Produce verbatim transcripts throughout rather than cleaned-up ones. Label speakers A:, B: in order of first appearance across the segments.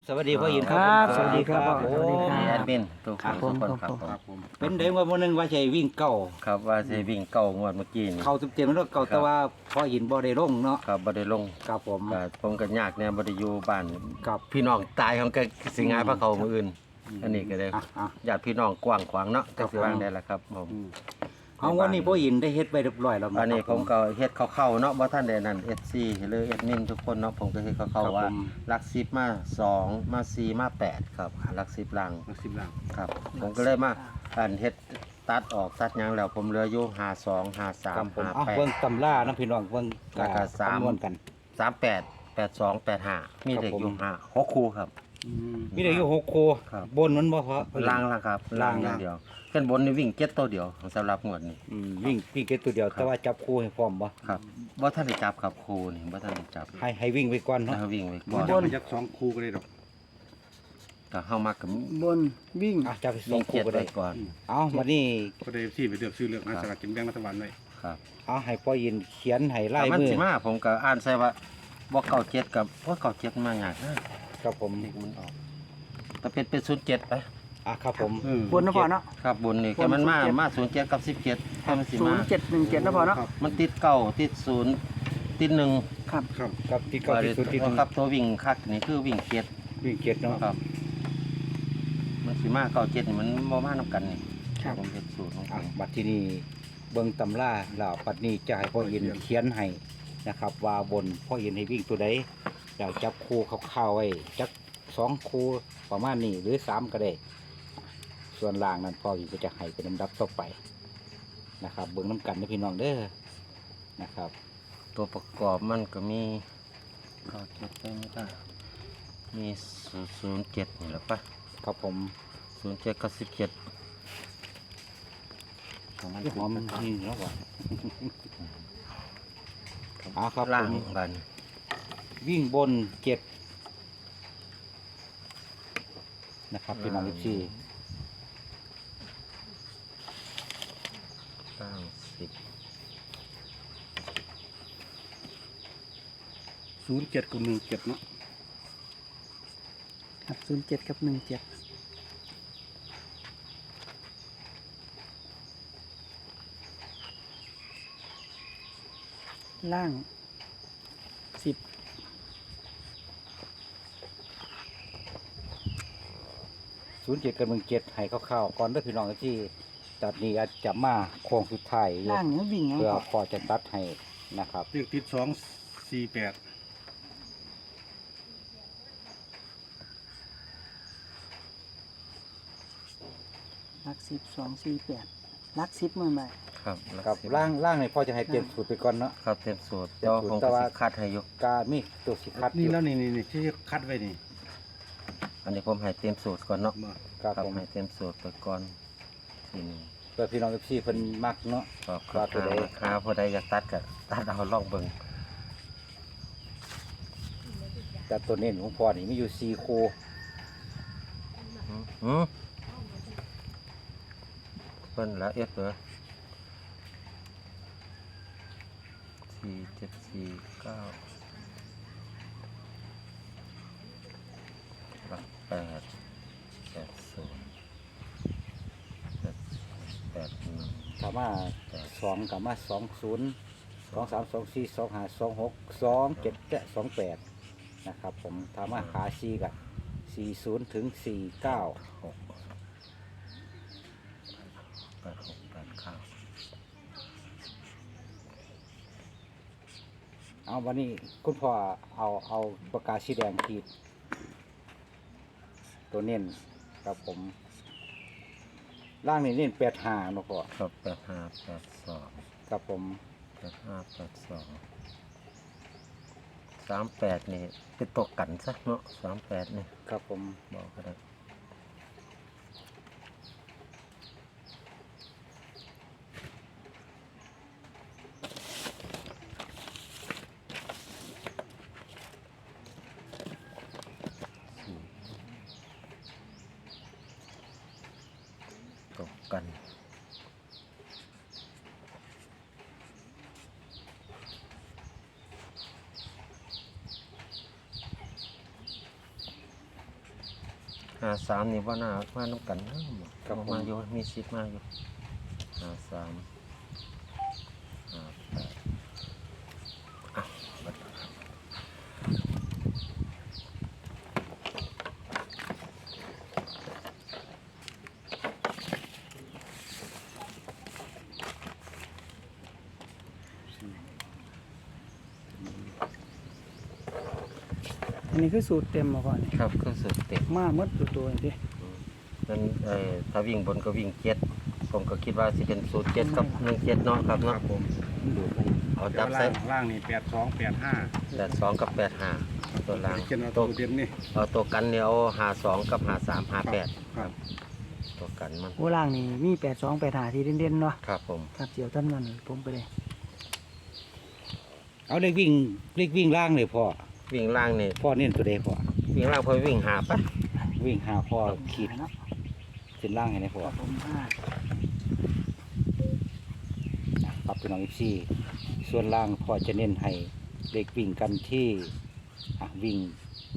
A: สวัสดีพ่อยิน
B: ครับสวัสดีครับ
A: ผม
B: สวัสดีครับ
C: แอดมินทุกค
B: ครั
C: น
B: บผม
C: ทุกคนครับ
B: ครับ
C: ผม
A: เป็นเด็กว่าวันหนึงว่าใช่วิ่งเก่า
C: ครับว่าสิวิ่งเก้างวดเมื่อกี้นี่
A: เข้าเต็มๆแล้วเก่า
C: ครับ
A: แต่ว่าพ่อยินบ่ได้ลงเนาะ
C: ครับบ่ได้ลง
A: ครับผม
C: ก็ผมก็ยากแน่บ่ได้อยู่บ้าน
A: ครับ
C: พี่น้องตายของก็สิงายพระเขามื้ออื่น อันนี้ก็ได้
A: อ่ะอ่ะ
C: ญาติพี่น้องกว้างขวางเนาะ
A: ครั
C: จั
A: บ
C: กสิวางได้ละครับผม
A: เอาวันนี้พ่อยินได้เฮ็ดไปเรียบร้อยแล้ว
C: อันนี้
A: ครับ
C: ผมก็เฮ็ดเข้าๆเนาะบ่ทันได้นั่น เอส ซี หรือแอดมินทุกคนเนาะผมก็เฮ็ดเข้า
A: ครับ
C: ๆว่า
A: ผม
C: หลักสิบมาสองมาสี่มาแปดครับหลักสิบลัง
D: มาสิบหลัง
C: ครับ ผมก็เลยมาอันเฮ็ดตัดออกตัดหยังแล้วผมเหลืออยู่ห้าสอง ห้าสา
A: ครั
C: ม
A: บผม
C: ห้า
A: เอา
C: แปด
A: เบิ่งตำรานะพี่น้องเบิ่ง
C: แล้วก็สาม
A: คำนวณกัน
C: สามแปดแปดสองแปดห้ามีเด็กอยู่ห้าหกคู่ครับ
A: มีได้อยู่หกคู่
C: ครับ
A: บนมันบ่พอ
C: ล่างละครับ
A: ล่าง
C: อย่างเดียวขึ้นบนนี่วิ่งเจ็ดตัวเดียวสำหรับงวดนี้
A: อืมวิ่งวิ่งแค่ตัวเดียวแต่ว่าจับคู่ให้พร้อมบ่
C: ครับว่าท่านได้จับครับครูนี่ว่าท่านได้จับ
A: ให้ให้วิ่งไปก่อนเนาะ
C: ถ้าวิ่งไว้
D: บ
C: ก่อน
D: นมันยักสองคู่ก็ได้ดอก
C: ก็เข้ามากับบ
B: นวิ่ง
A: อ่ะจับไปสอ
C: วิ่
A: ง
C: ง
A: คู่
C: เจ็ด
A: ก็
C: ไว้
A: ได้
C: ก่อน
A: เอาวันนี้
D: ก็ได้ที่ไปเลือกซื้อเลือกนะสลากกินแบ่งรัฐบาลไว้
C: ครับ
A: เอาให้พ่อยินเขียนให้ลาย
C: ถ้ามัน
A: มือ
C: สิมาผมก็อ่านใส่ว่าบ่เก่าเจ็ดกับบ่เก่าเจ็ดมายากนะครับ
A: ผม
C: นี่มันออกแต่เป็นเป็นศูนย์เจ็ดไป
A: อ่ะครับผม
D: เออบ
B: นนะพอเนาะ
C: ครับบนนี่
B: บ
C: แค่
B: น
C: มันมา
B: ศูนย์เจ็ด
C: มาศูนย์เจ็ดกับสิบเจ็ดแค่มันสิ
B: ศู
C: มาน
B: ย์เจ็ดหนึ่งเจ็ดนะพอเนาะ
D: ครับ
C: มันติดเก้าติดศูนย์ติดหนึ่ง
B: ครับ
D: ครับ
A: กับที่เก้าที่สุดที่หนึ่ง
C: ครับตัววิ่งคักนี่คือวิ่งเจ็ด
A: วิ่งเกียรติเนาะ
C: ครับ มันสิมาเก้าเจ็ดนี่มันบ่มานํกันนี่
B: ครับ
C: ผมเฮ็ดสูตรของผ
A: อ่ะ
C: ม
A: บัดที่นี่เบิ่งตำราแล้วปัดนี้จะให้พ่อยินเขียนให้นะครับ ว่าบนพ่อยินให้วิ่งตัวใดแล้วจับคู่คร่าวๆไว้จักสองคู่ประมาณนี้หรือสามก็ได้ ส่วนล่างนั้นพ่อยินก็จะให้เป็นลำดับต่อไปนะครับ เบิ่งน้ำกันนะพี่น้องเด้อนะครับ
C: ตัวประกอบมันก็มีเก้าเจ็ดไปไม่ได้มีศูนย์เจ็ดนี่แหละปะ
A: ครับผม
C: ศูนย์เจ็ดกับสิบเจ็ด
A: ของมันหอมนี่แล้วว่ะ เอาครับ
C: ล่าง
A: ผม
C: บัน
A: วิ่งบนเจ็ดนะครับพี่น้องลิซี่
C: ล่างสิบ
D: ศูนย์เจ็ดกับหนึ่งเจ็ดเนาะ
B: ครับศูนย์เจ็ดกับหนึ่งเจ็ดล่างสิบ
A: ศูนย์เจ็ดกับหนึ่งเจ็ดให้คร่าวๆก่อนเด้วยพี่น้องที่ตัดนี้อาจจะมาโค้งสุดท้ายอยู่
B: ล่างเนี้ยวิ่งยัง
A: เพื่อ
B: พอ
A: พอจะตัดให้นะครับ
D: เลือกติดสองสี่แปด
B: ลักสิบสองสี่แปดลักสิบเมื่อไหร่
C: ครับ
A: ครับล่างล่างนี่พอจะให้เตรียมสูตรไปก่อนเนาะ
C: ครับเต็มสูตร
A: เต็
C: แต่
A: ม
C: ว่า
A: สูตร
C: ผม
A: แต่
C: ก็
A: ว่า
C: สิคัดให้อยก
A: การมีตัวสิคัดอ
D: นี่
A: ยู่
D: แล้วนี่นี่นี่ที่คัดไว้นี่
C: อันนี้ผมให้เต็มสูตรก่อนเนาะ
D: มา
A: ครับ
C: ครับ
A: ผม
C: ให้เต็มสูตรไปก่อนทีหนึง
A: เพื่อพี่น้องที่เพิ่นมักเนาะ
C: ก็ค
A: ว่า
C: รับ
A: ตัวใด
C: ราคาผู้ใดอยากตัดก็ตัดเอาลองเบิ่ง
A: แต่ตัวเน้นของพ่อนี่มีอยู่สี่คู่
C: หืมเพิ่นแล้วเอฟเหรอสี่เจ็ดสี่เก้าหลักแปดแปดศูนย์แปดแปดหนึ่ง
A: ถามว่าสองกับมาสองศูนย์สองสามสองสี่สองห้าสองหกสองเจ็ดและสองแปดนะครับ ผมถามว่าขาสี่กับสี่ศูนย์ถึงสี่เก้า
C: หกแปดหกแปดเก้า
A: เอาวันนี้คุณพ่อเอาเอาปากกาสีแดงขีด ตัวเน้นครับผมล่างนี่เน้นแปดห้าเนาะพ่อ
C: ครับแปดห้าแปดสอง
A: ครับผม
C: แปดห้าแปดสองสามแปดนี่เป็นตกกันซะเนาะสามแปดนี่
A: ครับผม
C: บอกก็ได้ตกกันหาสามนี่ว่าน่ามาน้ำกันนะครับ
A: ผม
C: มาอยู่มีสิทธิ์มาอยู่หาสามหาแปดอ่ะบัดนี้ครับ
B: อันนี้คือสูตรเต็มมาก่อนนี่
C: ครับคือสุดเต็ม
B: มาหมดตัวตัวนี่
C: นั่นเอ่อถ้าวิ่งบนก็วิ่งเจ็ดผมก็คิดว่าสิเป็นสูตรเจ็ดกับหนึ่งเจ็ดเนาะครับ
D: ค
C: เนาะ
D: รับผม
A: ดูไป
C: เอา
D: แต่
C: จับ
D: ว่า
C: ใส่
D: ล่างล่างนี่แปดสองแปดห้า
C: แปดสองกับแปดห้าตัวล่าง
D: เขียนเอา
C: ตั
D: ตัว วเดียวนี่
C: เอาตัวกันเนี่ยเอาหาสองกับหาสามหาแปด
D: ครับ
C: ตัวกันมัน
B: โอ้ล่างนี่มีแปดสองแปดหาที่เด่นๆเนาะ
C: ครับผม
B: ครับเสียวท่านนั้นผมไปเลย
A: เอาเลขวิ่งเลขวิ่งล่างเลยพ่อ
C: วิ่งล่างนี่
A: พ่อเน้นตัวใดพ่อ
C: วิ่งล่างพอวิ่งหาปะ
A: วิ่งหาพ่อขีด
B: เนาะ
A: เส้นล่างให้นะพ่อ
B: ครับผมห้า
A: ปรับเป็นน้องอีซี่ส่วนล่างพ่อจะเน้นให้เลขวิ่งกันที่อ่ะวิ่ง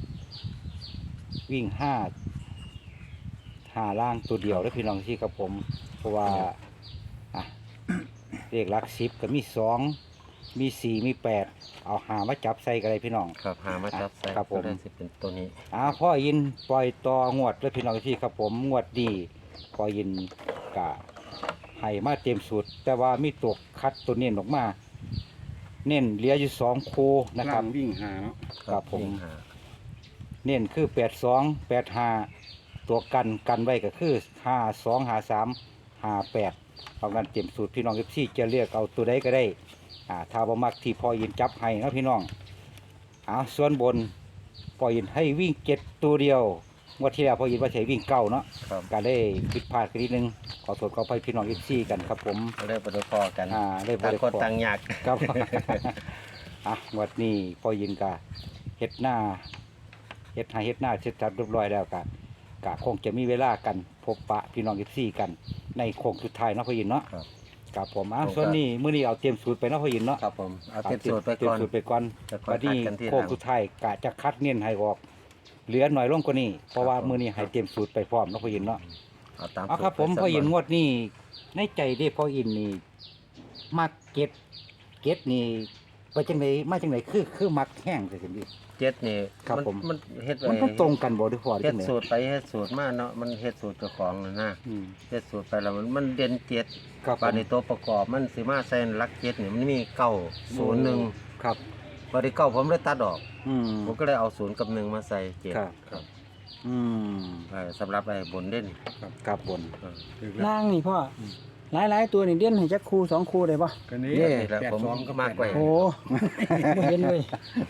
A: วิ่งห้าหาล่างตัวเดียวแล้วพี่น้องที่ครับผม เพราะว่าอ่ะ เลขหลักสิบก็มีสองมีสี่มีแปดเอาหามาจับใส่กันเลยพี่น้อง
C: ครับหามาจับใส่
A: ครับผม
C: ก็ได้สิเป็นตัวนี้
A: อ่าพ่อยินปล่อยต่องวดแล้วพี่น้องที่ครับผมงวดดีพ่อยินกะให้มาเต็มสูตร แต่ว่ามีตัวคัดตัวเน้นออกมา เน้นเหลืออยู่สองคูนะค
D: ล่า
A: รับ
D: งวิ่งหาเนาะ
A: ครับผม
C: วิ่งหา
A: เน้นคือแปดสองแปดห้าตัวกันกันไว้ก็คือห้าสองห้าสามห้าแปดเอากันเต็มสูตรพี่น้องที่จะเลือกเอาตัวใดก็ได้อ่าถ้าบ่มักที่พ่อยินจับให้นะพี่น้องอ่าส่วนบนพ่อยินให้วิ่งเจ็ดตัวเดียวงวดที่แล้วพ่อยินว่าใช้วิ่งเก้าเนาะ
C: ครับ
A: ก็ได้ผิดพลาดกันนิดนึงขอโทษขออภัยพี่น้องอีกซี่กันครับผม
C: ก็ได้ประเดพอกัน
A: อ่าได้บ่
C: ต่าง
A: ได้
C: คน
A: พอ
C: ต่างอยาก
A: ครับ อ่ะวันนี้พอยินกะเฮ็ดหน้าเฮ็ดให้เฮ็ดหน้าเสร็จสับเรียบร้อยแล้วกะกะคงจะมีเวลากันพบปะพี่น้องอีกซี่กัน ในโค้งสุดท้ายเนาะพอยินเนาะ
C: ครับ
A: ครับผมอ่ะ
C: ผมก็
A: ส่วนนี้มื้อนี้เอาเตรียมสูตรไปเนาะพอยินเนาะ
C: ครับผมเอาเต็มสูตรไป
A: เตรีย
C: ก่
A: ม
C: อน
A: สูตรไปก่อน
C: จะค่อย
A: วันนี้
C: คัดกันทีหลัง
A: โค้งสุดท้ายกะจะคัดเน้นให้ออก เหลือหน่อยลงกว่านี้เพราะว่า
C: ครับผม
A: มื้อนี้ให้เตรียมสูตรไปพร้อมเนาะพอยินเนาะ
C: เอาตาม
A: เอาครับ
C: สูต
A: ผม
C: ไป
A: พอยิน
C: สัก
A: ง
C: วั
A: วดนี่ในใจเด้พอยินนี่มักเก็ตเก็ตนี่ไปจังไหนมาจังไหนคือคือมักแห้งแต่สินดิ
C: เจ็ดนี่
A: ครับ
C: มัน
A: ผม
C: มันเฮ็ดไว้
A: มันต้องตรงกันบ่ด้วยพอ
C: เฮ็
A: จั
C: ด
A: งไหน
C: สูตรไปเฮ็ดสูตรมาเนาะมันเฮ็ดสูตรเจ้าของน่ะนะ
A: อืม
C: เฮ็ดสูตรไปแล้วมันมันเด่นเจ็ด
A: ครับผ
C: บาด
A: ม
C: นี้ตัวประกอบมันสิมาใส่หลักเจ็ดนี่มันมีเก้าศูนย์หนึ่ง
A: ครับ
C: บาดนี้เก้าผมเลยตัดออก
A: อืม
C: ผมก็เลยเอาศูนย์กับหนึ่งมาใส่เจ็ด
A: ครับ
D: ครับ
A: อืม
C: เออสำหรับไอ้บนเด่น
A: ครับบน
C: เออ
D: ถึงแล้ว
B: ล่างนี่พ่อหลายๆตัวนี่เด่นให้จักคู่สองคู่ได้ปะ
D: กันนี้
A: เย้
C: นี่แหละ
D: แปด
C: ผม
D: สองก็
C: มากกว่า
B: โอ้ไม่เห็นเลย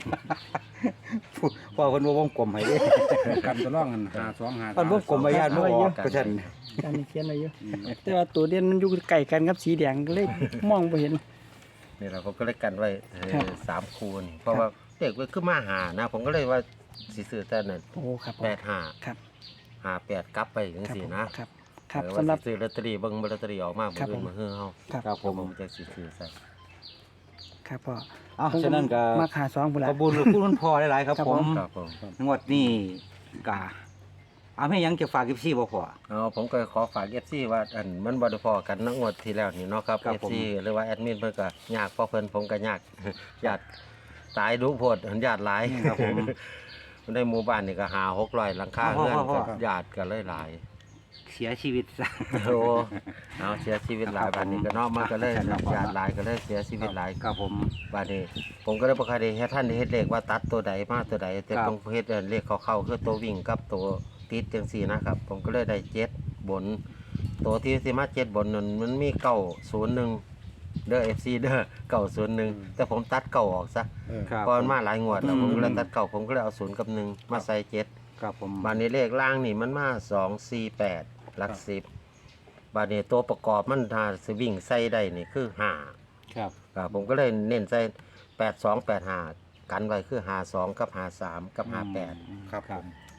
A: พอเพิ่นบ่วงกลมให้เด้
D: กันตัวร่องกันหาสองหา
A: เพิ่นวงกลมไว้ญาติบ่ออกก็ซั่น
B: อันนี้เขียนไว้เยอะแต่ว่าตัวเด่นมันอยู่ใกล้กันกับสีแดงก็เลยมองไม่เห็น
C: นี่แหละผมก็เลยกันไว้เออ
B: ครับ
C: สามคูนี่เพราะว่าเด็กมันขึ้นมาหานะ ผมก็เลยว่าสิซื้อแต่นั่น
B: โอ้ครับ
C: แปดห้า
B: ครับ
C: ห้าแปดกลับไปจัง
B: ครับ
C: ซี่
B: ผม
C: นะครับ
B: ครับ
C: เออ
B: สำหรับ
C: ว่าสิซื้อลอตเตอรี่เบิ่งลอตเตอรี่ออกมา
B: ครับ
C: เบิ่ง
B: ผม
C: มาเฮือเฮา
B: ครับ
A: ครับผม
C: ผมจะสิซื้อใส่
B: ครับพ่อ
A: อ้าวฉะนั้นก็
B: มาขาสองพุ่นละ
A: ขอบคุณคุณพ่อหลายๆครับ
B: ครับ
A: ผ
B: ผม ม
C: ครับผม
A: งวดนี้กะเอาให้ยังจะฝากอีกซี่บ่พอ
C: เอาผมก็ขอฝาก เอฟ ซี ว่าอันมันบ่ได้พอกันเนักงวดที่แล้วนี่เนาะครับ
A: ครับ
C: เอฟ
A: ผม
C: ซี หรือว่าแอดมินเพิ่นก็ยากเพราะเพิ่นผมก็ยาก ญาติตายดุโพดหันญาติหลาย
A: ครับผม
C: ในหมู่บ้านนี่ก็หาหกร้อยหลังคา
A: พ่อ
C: เรือน
A: พ่อ
C: กับญาติก็เลยหลาย
A: เสียชีวิตซะ
C: โอ้เอาเสียชีวิตหลาย
A: ครับผม
C: บ้านนี้ก็เนาะมันก็เลย
A: ครับ
C: ญาติหลายก็เลยเสียชีวิตหลาย
A: ครับผม
C: บ้านนี้ ผมก็เลยบ่เคยได้เฮ็ดท่านได้เฮ็ดเลขว่าตัดตัวใดมาตัวใดแต่
A: ครับ
C: ต้องเฮ็ดเลขเข้าๆคือตัววิ่งกับตัวติดจังซี่นะครับ ผมก็เลยได้เจ็ดบน ตัวที่สิมาเจ็ดบนนั้นมันมีเก้าศูนย์หนึ่งเด้อ เอฟ ซี เด้อเก้าศูนย์หนึ่งแต่ผมตัดเก้าออกซะ
D: เออ
A: ครับ
C: เพราะมันมาหลายงวดแล้ว
A: อืม
C: ผมก็เลยตัดเก้าผมก็เลยเอาศูนย์กับหนึ่งมาใส่เจ็ด
A: ครับผม
C: บานนี้เลขล่างนี่มันมาสองสี่แปดหลักสิบบานนี้ตัวประกอบมันถ้าสวิ่งใส่ได้นี่คือห้า
A: ครับ
C: ครับผมก็เลยเน้นใส่แปดสองแปดห้ากันไว้คือห้าสองกับห้าสามกับห้าแปด
D: ครับผม
C: ต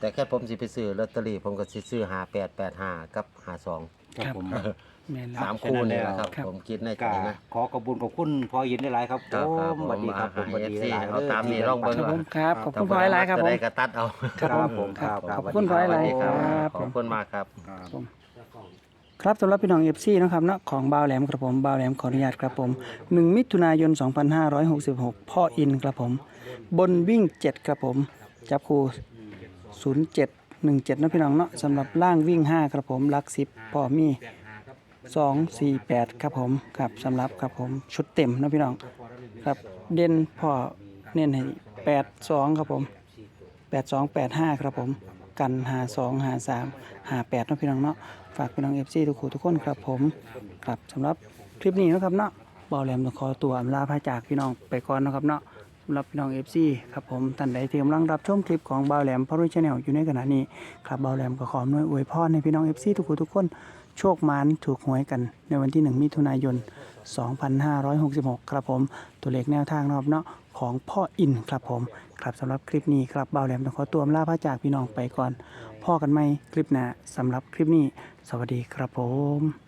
C: แต่แค่ผมสิไปซื้อลอตเตอรี่ผมก็สิซื้อห้าแปดแปดห้ากับห้าสอง
A: ครับผม
B: แม่นแล้
C: สาว มคู่นี่แหละครับ
B: ครับ
C: ผมคิดในใจ
A: ก็
C: นะ
A: ขอขอบคุณขอบคุณพ่อยินได้หลายครับ
C: ครับครับ
A: ผมสวัสดีครับผมสวัสดีหลายๆ
C: เอาตามนี้ลองเบิ่ง
B: ครับผมครับขอบคุณพ่อหลายๆครับผม
C: จะได้กระตัดเอา
A: ครับผมครับ
B: ขอบคุณพ่อหลายๆ
C: ครับ
B: ครับ
C: ขอบคุณมากครับ
D: ครับ
B: ครับสำหรับพี่น้อง เอฟ ซี นะครับเนาะของบ่าวแหลมครับผมบ่าวแหลมขออนุญาตครับผมหนึ่งมิถุนายนสองพันห้าร้อยหกสิบหกพ่ออินครับผมบนวิ่งเจ็ดครับผมจับคู่ศูนย์เจ็ดหนึ่งเจ็ดนะพี่น้องเนาะสำหรับล่างวิ่งห้าครับผมหลักสิบพ่อมีสองสี่แปดครับผมครับสำหรับครับผมชุดเต็มนะพี่น้องครับเด่นพ่อเน้นให้แปดสองครับผมแปดสองแปดห้าครับผมกันหาสองหาสามหาแปดนะพี่น้องเนาะฝากพี่น้องเอฟซีทุกคนทุกคนครับผมครับสำหรับคลิปนี้นะครับเนาะบ่าวแหลมต้องขอตัวอำลาพระจากพี่น้องไปก่อนนะครับเนาะสำหรับพี่น้องเอฟซีครับผมท่านใดที่กำลังรับชมคลิปของบ่าวแหลมพอรุ่ยชาแนลอยู่ในขณะนี้ครับบ่าวแหลมก็ขออำนวยอวยพรให้พี่น้องเอฟซีทุกคนทุกคนโชคมานถูกหวยกันในวันที่หนึ่งมิถุนายนสองพันห้าร้อยหกสิบหกครับผมตัวเลขแนวทางนะครับเนาะของพ่ออินครับผมครับสำหรับคลิปนี้ครับบ่าวแหลมต้องขอตัวอำลาพระจากพี่น้องไปก่อนพ่อกันไหมคลิปหน้าสำหรับคลิปนี้สวัสดีครับผม